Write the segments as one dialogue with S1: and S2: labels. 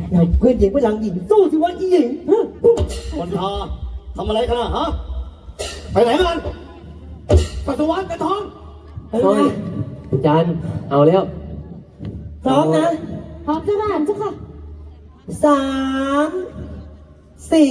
S1: เราเพื่อนหญิงเพื่อนหลังหญิงสู้สิวะอีหญิง
S2: คนทาทำอะไรกันนะฮะไปไหนกันปัสสาวะกระท้อง
S1: อะไร
S3: น้อย
S1: นะ
S3: จันเอาแล้ว
S1: พร้อมนะ
S4: พร้อมเจ้าค่ะเจ้าค่ะ
S1: 3 4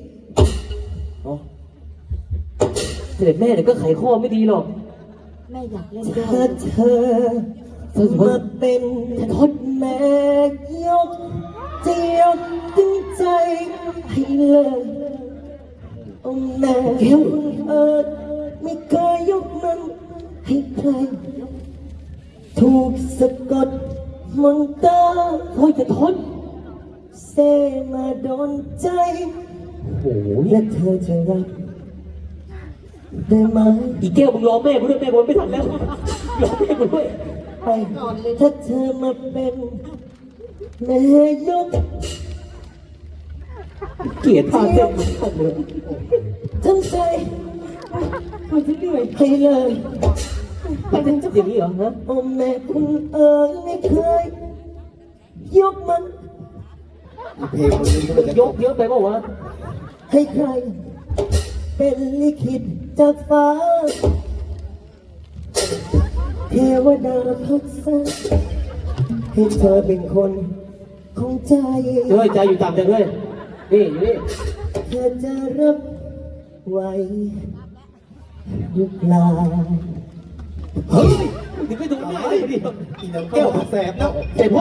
S3: เสด็จแม่เดี๋ยวก็ไขข้อไม่ดีหรอก
S4: แม่อยากเล่นด้วย
S1: ถ้าเธอมาเป็นทดแม่ยกเจียวถึงใจให้เลยโอ้แม่ไม่เคยยกมันให้ใครถูกสะกดมนตรา
S3: โอ้ยจะทน
S1: เซมาโดนใจ
S3: โอ้ย
S1: และเธอจะรับได้ไหม
S3: อีแก้วมึงรอแม่กูด้วยแม่บนไม่ทันแล้วรอแม่กูด้วย
S1: ไปถ้าเธอมาเป็นแม่ยก
S3: เกลียดพาเจ้ามึงทันเลย
S1: ทั้งใจให้เลย
S3: ไปเป็นเจ้าอย่างนี้เหรอฮะ
S1: โอ้แม่คุณไม่เคยยกมัน
S2: เพลงคนนี้ก็จะ
S3: ยกเยอะไปเปล่าวะ
S1: ให้ใคร เป็นลิขิตจากฟ้าเทวดาพักษาให้เธอเป็นคนของใจ
S3: เฮ้ยใจอยู่ต่ำจังเลยนี่อยู่นี่
S1: เธอจะรับไหวหรือเปล่า
S3: เฮ้ยถึงไม่ดูหน้าเลยดิ
S2: อีน้ำแก้วแสบแล้ว